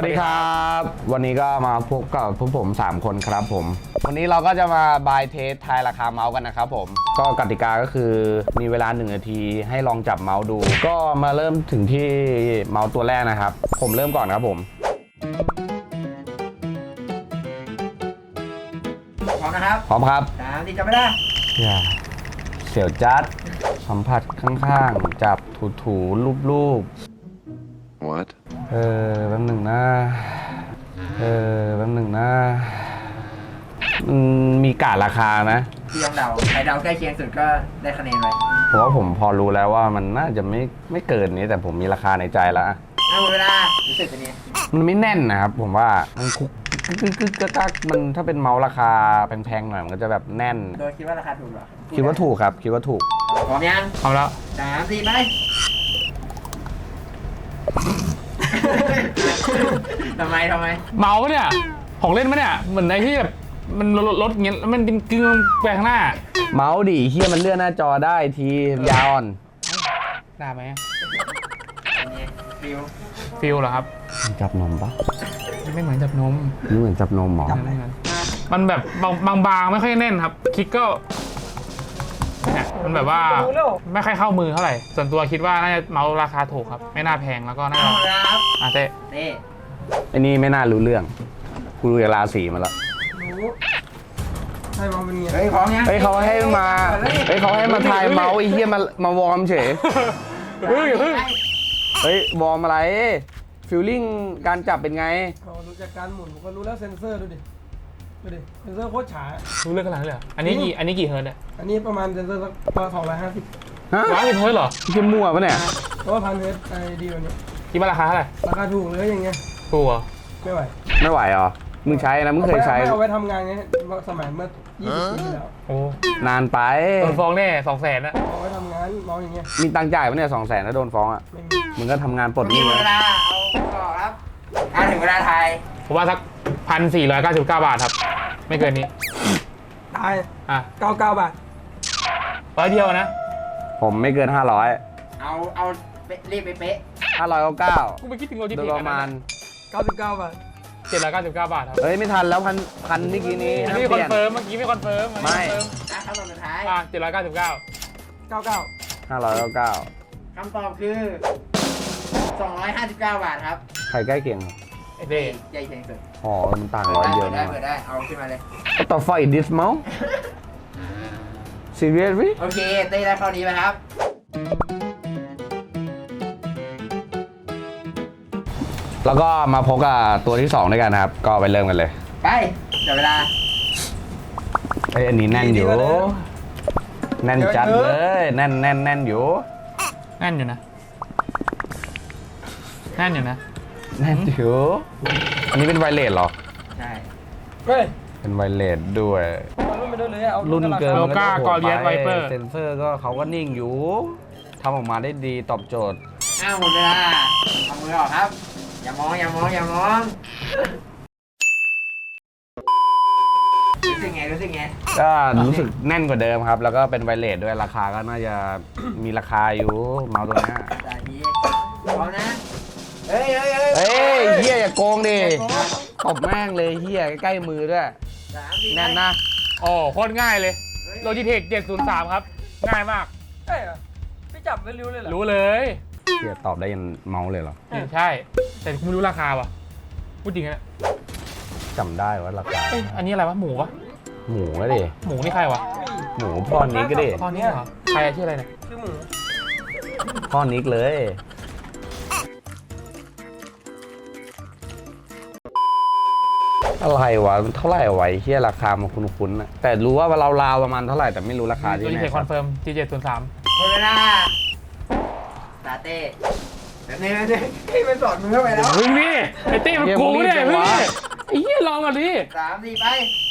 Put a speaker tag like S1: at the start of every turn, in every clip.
S1: วัสดีครับวันนี้ก็มาพบกับพวกผม3คนครับผมวันนี้เราก็จะมาบายเทสทายราคาเมาส์กันนะครับผมก็กติกาก็คือมีเวลา1 นาทีให้ลองจับเมาส์ดูก็มาเริ่มถึงที่เมาส์ตัวแรกนะครับผมเริ่มก่อนครับผม
S2: พร้อมนะครับ
S1: พร้อมครับ
S2: 3 4จับไม่ได้
S1: อย่าเสียวจัดสัมผัสข้างๆจับถูรูปWhat แป๊บหนึ่งนะแป๊บหนึ่งนะมีกาดราคานะ
S2: พี่ลองเดาใครเดาใกล้เคียงสุดก็ได้คะแนนไป
S1: ผมว่าผมพอรู้แล้วว่ามันน่าจะไม่เกินนี้แต่ผมมีราคาในใจแล้ว
S2: หมดเวลารู้สึกเป็นไง
S1: มันไม่แน่นนะครับผมว่ามันคุกกักมันถ้าเป็นเมาส์ราคาแพงๆหน่อยมันก็จะแบบแน่น
S2: โดยคิดว่าราคาถูกหรอ
S1: คิดว่าถูกครับคิดว่าถูก
S2: พร้อมยัง
S1: พร้อมแล้ว
S2: 3 4ไปทำไม
S3: เมาเนี่ยของเล่นมั้ยเนี่ยเหมือนไอ้ที่แบบมันรถเงี้ยมันเป็นกึ่งแปลงหน้า
S1: เมาส์ดิเฮียมันเลื่อนหน้าจอได้ทียาวอ่อน
S3: ได้ไหม
S2: ฟิล
S3: เหรอครับ
S1: จับนมปะ
S3: ไม่เหมือนจับนม
S1: นี่เหมือนจับนมหรอ
S3: มันแบบบางๆไม่ค่อยแน่นครับคลิกก็เนี่ยมันแบบว่าไม่ค่อยเข้ามือเท่าไหร่ส่วนตัวคิดว่าน่าจะเมาส์ราคาถูกครับไม่น่าแพงแล้วก็น่าเต้
S1: ไอ้นี่ไม่น่ารู้เรื่องกูรู้ราศีมาแล้ว
S2: ใช่มาเป็นไงเฮ้ยพร้อมยัง
S1: เขาให้มาทายเมาส์ไอ้เหี้ยมาวอร์มเฉยเฮ้ยวอร์มอะไรฟีลลิ่งการจับเป็นไง
S4: รู้จากการหมุนผมก็รู้แล้วเซนเซอร์ดูดิเซนเซอร์โคตรฉา
S3: รู้เรื่องขนาดนั้นเลยอันนี้กี่เฮิร์ตเนี่ย
S4: อันนี้ประมาณเซนเซอร์สัก250
S3: ฮะ150เฮิร์ตเหรอ
S1: เข้มมั่วปะเนี่ย
S4: เพราะว่า1,000 เฮิร์ตไอดีวันนี้
S3: คิดว่าราคาเท่าไหร่
S4: ราคาถูกเลยอย่างเงี้ย
S3: ถูกเหรอ
S4: ไม่ไหว
S1: เหรอมึงใช้นะมึงเคยใช้
S4: เอาไว้ทำงานไงสมัยเมื่อ20 ปีแล้ว
S3: โอ้
S1: นานไป
S3: โดนฟ้องแน่200,000นะ
S4: เอาไว้ทำงานมองอย่างเงี้ย
S1: มีตังค์จ่ายปะเนี่ย200,000ถ้าโดนฟ้องอ่ะมึงก็ทำงานปลดหนี้
S2: เวลาเอาต่อครับถึงเวลาไทย
S3: ผมว่าสัก1,499 บาทครับไม่เกินนี้
S4: ตาย99 บาท
S3: 100เดียวนะ
S1: ผมไม่เกิน500
S2: เอารีบไปเป๊ะ
S1: 599
S3: กูไปคิดถึงโลจิ
S1: เทคประมาณ
S4: 99 บาท
S3: 799 บาทครับ
S1: เฮ้ยไม่ทันแล้วพันเมื่อกี้นี้
S3: ไม่คอนเฟิร์มเมื่อกี้ไม่คอนเฟิร์ม
S1: ไม่
S2: คำตอบสุดท้าย
S3: 799
S1: 599
S2: คำตอบคือ259 บาทครับ
S1: ใครใกล้เคียงครับ
S2: เต้ใหญ่เคียงสุด
S1: อ๋อมันต่าง100เดียว
S2: นะเปิดได้เอาขึ้นมาเลย
S1: ต่อไฟ this mouse seriously
S2: โอเคเต้ได้ข้อนี้ไปครับ
S1: แล้วก็มาพบกับตัวที่2ด้วยกันนะครับก็ไปเริ่มกันเลย
S2: ไปจับเวลา
S1: อันนี้แน่นอยู่แน่นจัดเลยแน่นอยู่
S3: แน่นอยู่นะ
S1: อันนี้เป็นไวเลสเหรอ
S2: ใช่
S1: เป็นไวเลสด้วยรุ่นเกิน
S3: ก้ากอเลียสไวเปอร์
S1: เซนเซอร์ก็เขาก็นิ่งอยู่ทำออกมาได้ดีตอบโจทย์
S2: หมดเวลาเอามือออกครับอย่ามองรู้สึกไง
S1: ก็รู้สึกแน่นกว่าเดิมครับแล้วก็เป็นไวเลสด้วยราคาก็น่าจะมีราคาอยู่เมาส์ตัวนี้
S2: พร้อมนะเฮ้ย
S1: เฮียอย่าโกงดิตบแม่งเลยเฮียใกล้มือด้วยแน่นนะ
S3: โอ้โคตรง่ายเลยโลจิเทค703ครับง่ายมาก
S4: ใช่เหรอพี่จับไม่รู้เลยเหรอ
S3: รู้เลย
S1: เฮียตอบได้ยันเมาส์เลยเหรอ
S3: ใช่แต่คุณไม่รู้ราคาว่ะพูดจริงนะ
S1: จำได้ว่าราคา
S3: อันนี้อะไรวะหมูวะ
S1: หมูก็ดิ
S3: หมูนี่ใครวะ
S1: หมูพ่อนิกก็ดิ
S3: พ่อนิกเหรอใครชื่ออะไรเนี่ย
S4: ชื่อหมู
S1: พ่อนิกเลยอะไรวะเท่าไหร่ไว้เฮียราคามันคุ้นๆนะแต่รู้ว่าเราราวประมาณเท่าไหร่แต่ไม่รู้ราคาที่ไหน
S3: คอนเฟิร์ม G703
S2: หมดเวลาตาเต้แบบนี้มันสอดมือเข้าไปแล้ว
S3: มึงนี่ไอ้เต้มันกูเนี่ยมึงนี่ไอ้เหี้ยลองก่อนดิ
S2: 3 4ไป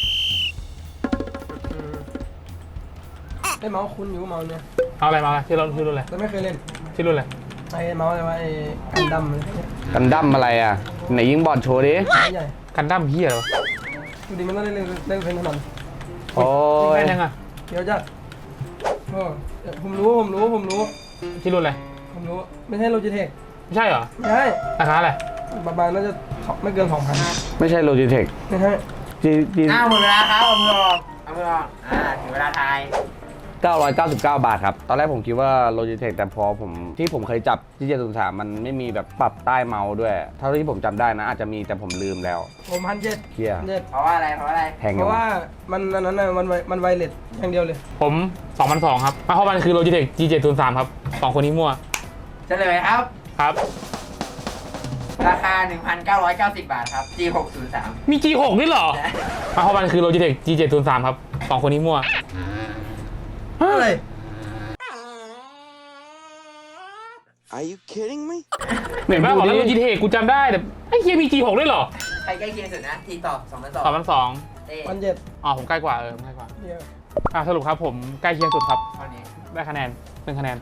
S4: ได้เมาส์คุ้นอยู่เมาส์เนี่ย
S3: เอาอะไรมาที่รุ่นอะไร
S4: แต่ไม่เคยเล่น
S3: ที่รุ่นอะไร
S4: ไอ้เมาส์อะไรวะไอ้กันดั้ม
S1: อะไรอ่ะไหนยิงบอลโชว์ดิ
S4: ใหญ่
S3: กันดั้มเหี้ยเหรอ
S4: ดูดิมันต้องเล่นเพลงถนน
S1: โอ้
S3: ยแม่ยังอ่ะ
S4: เดี๋ยวจะผมรู้
S3: ที่รุ่นอะไร
S4: ผมรู้ไม่ใช่โลจิเทค
S3: ไม่ใช่เหรอ
S4: ใช่
S3: ราคาอะไร
S4: ประมาณน่าจะไม่เกิน 2,000
S1: ไม่ใช่ Logitech
S4: นะฮะ
S1: G
S2: หมดเวลาครับเอามือออกเอามือออกถึงเวลาทาย
S1: 999 บาทครับ ตอนแรกผมคิดว่า Logitech แต่พอผมเคยจับที่703มันไม่มีแบบปรับใต้เมาส์ด้วย เท่าที่ผมจำได้นะ อาจจะมีแต่ผมลืมแล้ว
S4: ผม1,700
S1: เฮีย
S2: เพราะว่าอะไรเพราะอะไร
S1: แพง
S4: เพ
S1: ยัง
S4: ราะว่ามันอันนั้นน่ะมันไวเลสอย่างเดียวเลย
S3: ผม2,200ครับเพราะมันคือ Logitech G703 ครับสองคนนี้มั่ว
S2: เฉลยครับ
S3: ครับ
S2: ราคา 1,990 บาทครับ G603
S3: มี G6 ด้วยเหรอเพราะมันคือ Logitech G703 ครับสองคนนี้มั่ว
S4: อะไร
S5: Are you kidding me?
S3: เห็นไหมบอกแล้ว Logitech กูจำได้แต่ไอ้เฮียมี G6 ด้วยเหรอ
S2: ใครใกล้เคียงสุดนะ T ตอบ2,200
S3: 2,200
S2: เต้
S4: 1,700
S3: อ๋อผมใกล้กว่าผมใกล้กว่า
S4: เดียว
S3: สรุปครับผมใกล้เคียงสุดครับ
S2: เท่านี้
S3: ได้คะแนน1คะแนน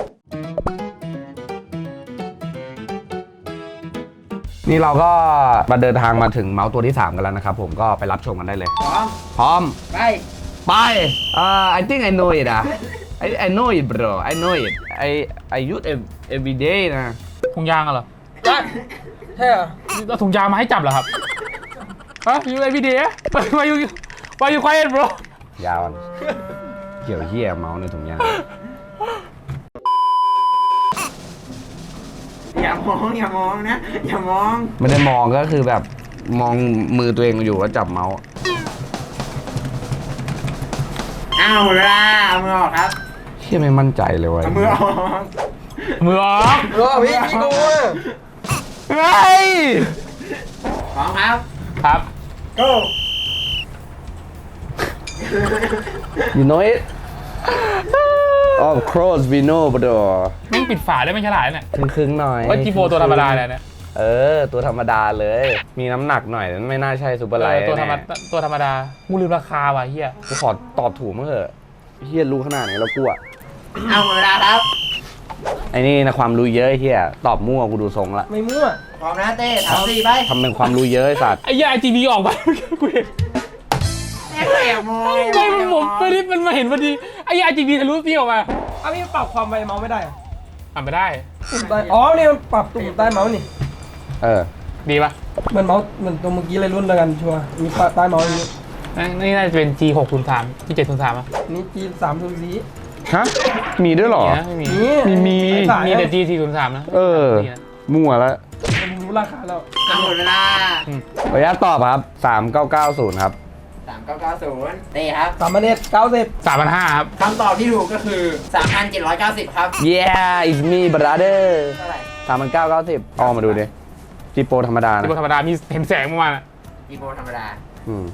S1: นี่เราก็มาเดินทางมาถึงเมาส์ตัวที่ 3 กันแล้วนะครับผมก็ไปรับชมกันได้เลย
S2: พร้อม
S1: พร้อม
S2: ไป
S1: ไปI think I know it I know it bro I know it I use every day นะ
S3: ถุงยางอะเหรอ
S4: ใช่เหรอ
S3: เอาถุงยางมาให้จับเหรอครับฮะอยู่ไอพีดีวายูควายบร
S1: ยาวเกี่ยวเหี้ยเมาส์ในถุงยาง
S2: อย่ามองอย่ามองนะ อย่ามอง
S1: ไม่ได้มองก็คือแบบมองมือตัวเองอยู่แล้วจับเมาส์
S2: หมดเวลาเอามือออกครับ
S1: เชี่ยไม่มั่นใจเลยว่ะ
S2: เอามือออก
S3: มือออก
S4: รอพี่โก้
S1: เฮ้ย
S2: พร้อมครับ
S3: ครับ
S2: go
S1: you know it of course we know bro
S3: แม่งปิดฝาได้ไม่ฉลาดเนี่ย
S1: ครึ่งๆหน่อย
S3: ว่าจีโฟตัวธรรมดาเลยเนี่ย
S1: ตัวธรรมดาเลย มีน้ำหนักหน่อยไม่น่าใช่ซูเปอร์ไลท์
S3: ตัวธรรม
S1: แน่
S3: ตัวธรรมดากูลืมราคาว่ะเฮีย
S1: กูขอตอบถูกมั้งเถอะเฮียรู้ขนาดไหนแล้วกูอะ
S2: หมดเวลาครับ
S1: ไอ้นี่นะความรู้เยอะไอ้เฮียตอบมั่วกูดูทรงละ
S4: ไม่มั่ว
S2: พร้อมนะเต้ถามสี่ไป
S1: ทำเป็นความรู้เยอะไอ้สัตว์
S3: ไอ้เหี้ยไอจีบีออกไปกูเห็น
S2: เต้ก็แอบมอง
S3: ไอ้มันผมไม่ได้มันมาเห็นพอดีไอ้เหี้ยไอจีบีทะลุพี่ออกมา
S4: อ้าวพี่ปรับความไวเมาส์ไม่ได้เหรอ
S3: อ่านไม่ได้
S4: ตุ่มใต้อ๋อนี่มันปรับตุ่มใต้เมาส์นี่
S3: ดีปะ
S4: เหมือนเมาส์เหมือนตัวเมื่อกี้เลยรุ่นเดียวกันชัวร์มีใต้เมาส์อย่างนี้
S3: นี่น่าจะเป็น G603 G703 อ่ะ
S4: นี่ G304
S1: ฮะมีด้วยเหรอ
S3: ไม่มี
S4: มี
S1: มี
S4: สาย
S3: มี
S4: ๆ
S3: แต่ G403 นะ นี่นะ
S1: มั่วแล้ว
S4: ผมรู้ราคาแล้ว
S2: หมดเวลา
S1: ขออนุญาตตอบครับ 3990 ครับ
S2: 3990เต้ครับ
S4: 3,190
S3: 3,500 ครับ
S2: คำตอบที่ถูกก็คือ 3,790 ครับ
S1: yeah it's me brother
S2: เท่าไหร่
S1: 3990เอามาดูดิจีโปรธรรมดานะ
S3: ที่ธรรมดามีเห็นแสงเมื่อวานอะ
S2: อีโบธรรมดา
S1: อืม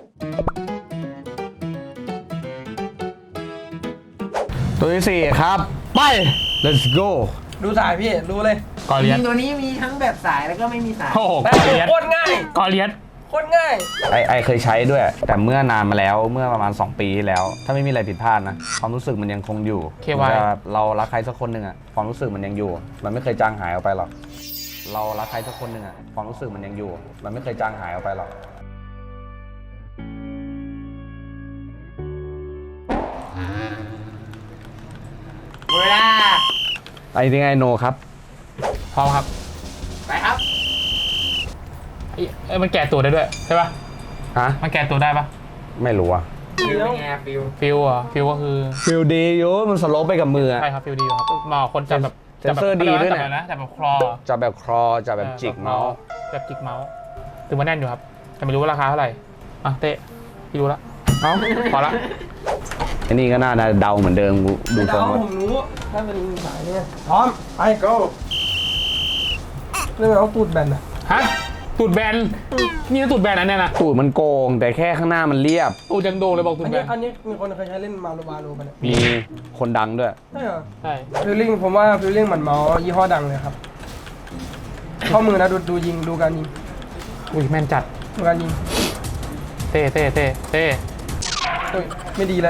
S1: ตัวที่ 4 ครับ ไป let's go
S4: ดูสายพี่รู้เลย
S3: กอ
S2: จ
S3: เลีย
S2: ริ
S3: ส
S2: งๆตัวนี้มีทั้งแบบสายแล้วก็ไม่มีสาย
S3: โอ้โห
S4: แต่
S3: กอเลียส
S4: โคตรง่าย
S3: กอเลียส
S4: โคตรง่าย
S1: ไอเคยใช้ด้วย แต่เมื่อนานมาแล้วเมื่อประมาณ 2 ปีที่แล้ว ถ้าไม่มีอะไรผิดพลาดนะ ความรู้สึกมันยังคงอยู่
S3: KY
S1: มันจะเรารักใครสักคนหนึ่งอะความรู้สึกมันยังอยู่ มันไม่เคยจางหายออกไปหรอกเรารักใครสักคนหนึ่งอะความรู้สึกมันยังอยู่ มันไม่เคยจางหายออกไปหรอก
S2: หมดเวลา
S1: ไอ้ที่ไงโนครับ
S3: พร้อมครับ
S2: ไปครับ
S3: มันแก่ตัวได้ด้วยใช่ปะ
S1: ฮะ
S3: มันแก่ตัวได้ปะ
S1: ไม่รู้อะ
S2: ฟิลเป็นไงฟิล
S3: ฟิลอ่ะฟิลก็คือ
S1: ฟิลดีอยู่มันสโลปไปกับมืออะ
S3: ใช่ครับฟิลดีอยู่ครับเหมาะกับคนจับแบบ
S1: เซนเซอร์ดีด้วย
S3: จับ
S1: เนี่ย
S3: แบบนะจับแบบคลอ
S1: จะแบบครอจะแบบจิกเมาส์
S3: แบบจิกเมาส์ถึงมาแน่นอยู่ครับแต่ไม่รู้ว่าราคาเท่าไหร่อ่ะเตะพี่รู้ละ
S1: เอ้า
S3: พอละ
S1: อันนี้ก็น่าจะเดาเหมือนเดิมกูดู
S4: ไม่
S1: ทร
S4: เดาง
S1: แล้ว
S4: ผมรู้ถ้าเป็นสายเนี่ยพร้อมไป
S2: go
S4: เรื่องเอาตูดแบนอะ
S3: ฮะตูดแบนนี่นะตูดแบนอันเนี้ยนะ
S1: ตูดมันโกง แต่แค่ข้างหน้ามันเรียบ
S3: ตูดยังโด่งเลยบอกตู
S4: อั
S3: ด
S4: น
S3: แบ
S4: นี้
S3: น
S4: อันนี้มีคนเคยใช้เล่นมาโลบาโลไปเนี่ย
S1: มีคนดังด้วย
S4: ใช่เหรอ
S3: ใช่
S4: ฟิลลิ่งผมว่าฟิลลิ่งเหมือนเมาส์ยี่ห้อดังเลยครับข้อมือนะดูยิงดูการยิง
S3: อุ้ยแม่นจัด
S4: ดูการยิง
S3: เต้เต้เต้เต้
S4: โอ้ยไม่ดีแล้ว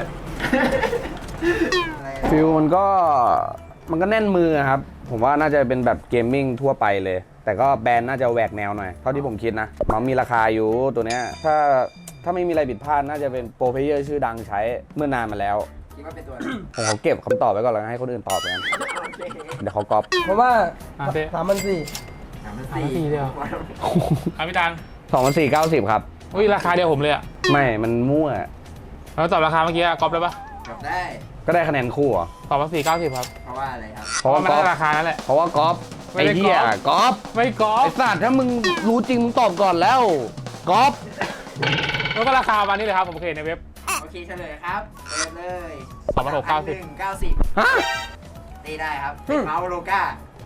S1: ฟิลมันก็แน่นมือครับ ผมว่าน่าจะเป็นแบบเกมมิ่งทั่วไปเลย แต่ก็แบรนด์น่าจะแหวกแนวหน่อย เท่าที่ผมคิดนะมันมีราคาอยู่ตัวเนี้ยถ้าไม่มีอะไรผิดพลาดน่าจะเป็นโปรเพลเยอร์ชื่อดังใช้เมื่อนานมาแล้ว
S2: คิดว่าเป็นตัว
S1: ผมขอเก็บคำตอบไว้ก่อนแล้วให้คนอื่นตอบกัน
S2: โอเค
S1: เดี๋ยวเขาก๊อป
S4: เพราะว่า
S3: เต้
S4: 3,400
S3: 3,400เดียว ครับพี่ตาล
S1: 2,490 ครับ
S3: อุ้ยราคาเดียวผมเลยอะ
S1: ไม่มันมั่ว
S3: แล้วตอบราคาเมื่อกี้ก๊อปได้ปะ
S2: จบได้
S1: ก็ได้คะแนนคู่เหรอ
S3: ตอบว่า490ครับ
S2: เพราะว่าอะไรครับ
S1: เพราะว่า
S3: มัน
S1: ก๊อ
S3: ได้
S1: ฟ
S3: ราคานั่นแหละ
S1: เพราะว่ากอล์ฟ
S3: ไม่
S1: ไอ้
S3: ได้
S1: เหี้ยกอล์ฟ
S3: ไม่ก๊อ
S1: ไอ้
S3: ป
S1: สัตว์ถ้ามึงรู้จริงมึงตอบก่อนแล้วกอล์ฟ
S3: แล้วก็ราคาประมาณนี้เลยครับผมเคยเห็นในเว็บ
S2: โอเคเฉลยครับเปิดเลย
S3: 2,690
S2: 3,190
S1: ฮะ
S2: ตีได้ครับเป็นเมาส์โลก้า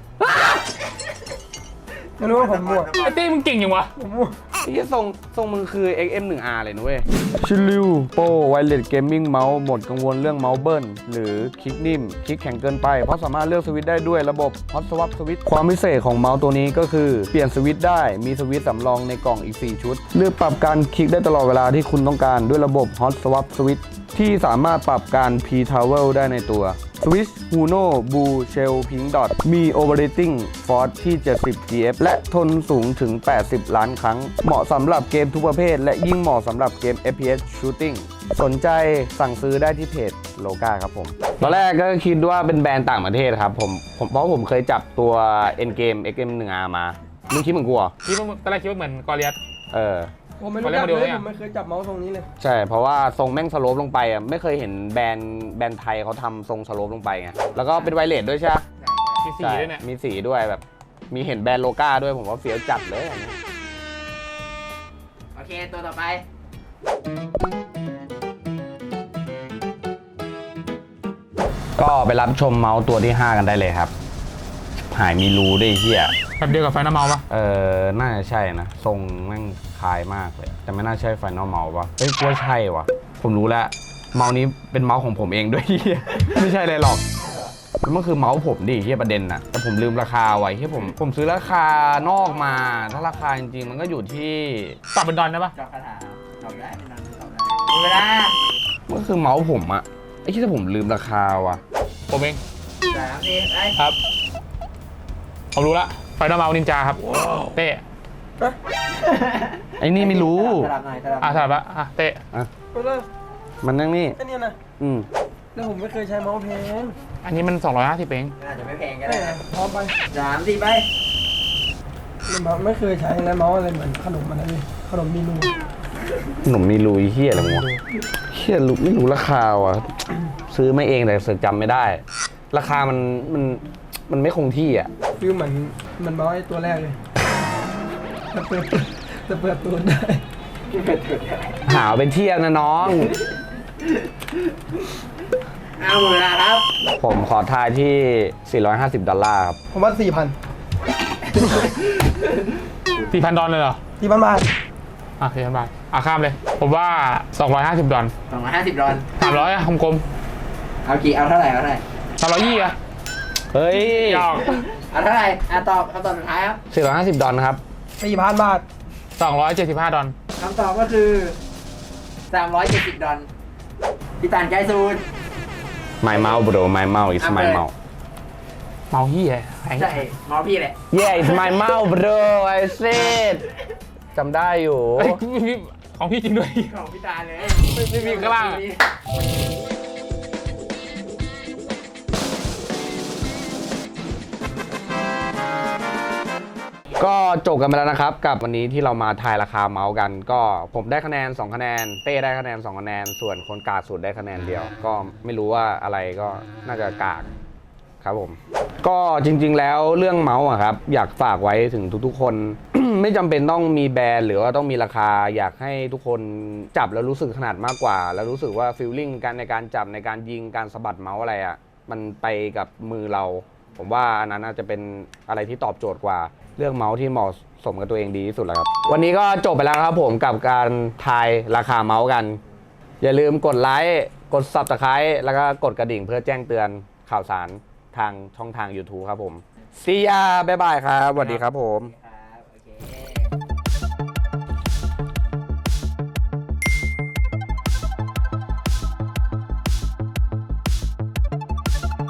S4: ไม่รู้ว่าผมมั่ว
S3: ไอ้ตี้มึงเก่งยังวะ
S4: ผมมั่ว
S1: ไอ้เหี้ยทรงมึงคือ XM1R เลยนะเว้ยชิลิวโปรไวเลสเกมมิ่งเมาส์หมดกังวลเรื่องเมาส์เบิ้ลหรือคลิกนิ่ม คลิกแข็งเกินไป เพราะสามารถเลือกสวิตช์ได้ด้วยระบบ Hot Swap Switch ความพิเศษของเมาส์ตัวนี้ก็คือเปลี่ยนสวิตช์ได้มีสวิตช์สำรองในกล่องอีก 4 ชุด เลือกปรับการคลิกได้ตลอดเวลาที่คุณต้องการด้วยระบบ Hot Swap Switch ที่สามารถปรับการ P-Towel ได้ในตัว Switch Huno Blue Shell Pink Dot มี Operating Force ที่ 70 GF และทนสูงถึง 80 ล้านครั้ง เหมาะสำหรับเกมทุกประเภท และยิ่งเหมาะสำหรับเกม FPS Shooting สนใจสั่งซื้อได้ที่เพจโลกาครับผม ตอนแรกก็คิดว่าเป็นแบรนด์ต่างประเทศครับผมเพราะผมเคยจับตัว Endgame XM1R มามึงคิดเหมือนกูเหรอ
S3: คิดว่าตอนแรกคิดว่าเหมือนกอริอัส
S1: เออ
S4: ผมไม่รู้จักเลยผมไม่เคยจับเมาส์ทรงนี้เลย
S1: ใช่ เพราะว่าทรงแม่งสโลปลงไปอ่ะไม่เคยเห็นแบรนด์ไทยเขาทำทรงสโลปลงไปไงแล้วก็เป็นไวเลสด้วยใช่ไหม
S3: มีสีด้วยเนี่ย
S1: มีสีด้วยแบบ มีเห็นแบรนด์โลก้าด้วยผมว่าเฟี้ยวจัดเลยอันนี้
S2: โอเคตัวต่อไป
S1: ก็ไปรับชมเมาส์ตัวที่ 5 กันได้เลยครับ หายมีรูด้วยไอ้เฮีย
S3: แบบเดียวกับไฟนอลเมาส์ปะ
S1: น่าจะใช่นะ ทรงแม่งคล้ายมากเลย แต่ไม่น่าใช่ไฟนอลเมาส์ปะเฮ้ยกูว่าใช่วะผมรู้แล้ว เมาส์นี้เป็นเมาส์ของผมเองด้วยเฮีย ไม่ใช่อะไรหรอก มันคือเมาส์ผมดิเฮียประเด็นน่ะ แต่ผมลืมราคาไว้เฮียผมซื้อราคานอกมา ถ้าราคาจริงๆ มันก็อยู่ที่
S3: ตอบเป็นดอนได้ปะ
S2: จอบคาถาตอบได้ไม่นานตอบได้หมดเวลา
S1: มันก็คือเมาส์ผมอะไอ้ที่ผมลืมราคาว่ะ
S3: ผมเอง
S2: 3 4ไป
S3: ครับผมรู้ละไฟนอลเมาส์นินจาครับเต้
S1: ไอ้นี่ไม่รู้
S2: สลับหน่อยสลับหน่
S3: อ่ะ
S2: อย
S3: สลับละอ่ะเต้
S4: ก็เลย
S1: มันนั่งนี่
S4: แค่นี้นะ
S1: อืม
S4: แล้วผมไม่เคยใช้เมาส์แพง
S3: อันนี้มัน250เอง
S2: อาจจะไม่แพงก็
S4: แม่
S2: ได้นะ
S4: พร้อมไป
S2: 3 4ไป
S4: ไม่เคยใช้แล้วเมาส์อะไรเหมือนขนมอะไรเลยขนมมีรู
S1: หนุ่มมีรูไอ้เฮียอะไรวะเฮียรู้ไม่รู้ราคาว่ะ ซื้อมาเองแต่เสือกจำไม่ได้ ราคามันไม่คงที่อ่ะ
S4: คือเหมือนเมาส์ไอ้ตัวแรกเลยจะเปิดตัวได้
S1: หาเป็นเที่ยงนะน้อง
S2: เอาหมดเวลาครับ
S1: ผมขอทายที่$450ครับ
S4: ผมว่า4,000
S3: 4,000 ดอลเลยเหรอ
S4: 4,000 บาท
S3: อ่ะ4,000 บาทอ่ะข้ามเลย ผมว่า250 ดอล
S2: 250 ดอล
S3: 300อ่ะกลม
S2: เอากี่เอาเท่าไหร่เอาเท่าไหร่
S3: ๆ320อ่ะ
S1: เฮ้ย
S3: หยอก
S2: เอาเท่าไหร่ตอบคำตอบสุดท้ายครับ
S1: $450ครับ
S4: 4,000 บาท
S3: 275 ดอล
S2: คำตอบก็คือ 370 ดอลพี่ตานใกล้ซูน
S1: My mouse bro my mouse is my
S2: เอาไป
S1: mouse
S3: เมาเฮียแพง
S2: ใช่เมาส์พี่แหละ
S1: Yeah it's my mouse bro I said จำได้อยู่
S3: เฮ้ยของพี่จริงด้วย
S2: ของพี่ตาเลย
S3: ไม่มีข้างล่างอะ
S1: ก็จบกันไปแล้วนะครับกับวันนี้ที่เรามาทายราคาเมาส์กัน ก็ผมได้คะแนน2คะแนนเต้ได้คะแนน2คะแนนส่วนคนกากสุดได้คะแนนเดียว ก็ไม่รู้ว่าอะไรก็น่าจะกากครับผม ก็จริงๆแล้วเรื่องเมาส์อะครับอยากฝากไว้ถึงทุกๆคน ไม่จำเป็นต้องมีแบรนด์หรือว่าต้องมีราคาอยากให้ทุกคนจับแล้วรู้สึกขนาดมากกว่า แล้วรู้สึกว่าฟีลลิ่งการในการจับในการยิงการสะบัดเมาส์อะไรอะมันไปกับมือเรา ผมว่าอันนั้นน่าจะเป็นอะไรที่ตอบโจทย์กว่าเรื่องเมาส์ที่เหมาะสมกับตัวเองดีที่สุดแล้วครับวันนี้ก็จบไปแล้วครับผมกับการทายราคาเมาส์กัน อย่าลืมกดไลค์กด Subscribe แล้วก็กดกระดิ่งเพื่อแจ้งเตือนข่าวสารทางช่องทาง YouTube ครับผม See ya บ๊ายบายครับสวัสดีครับผม
S2: ค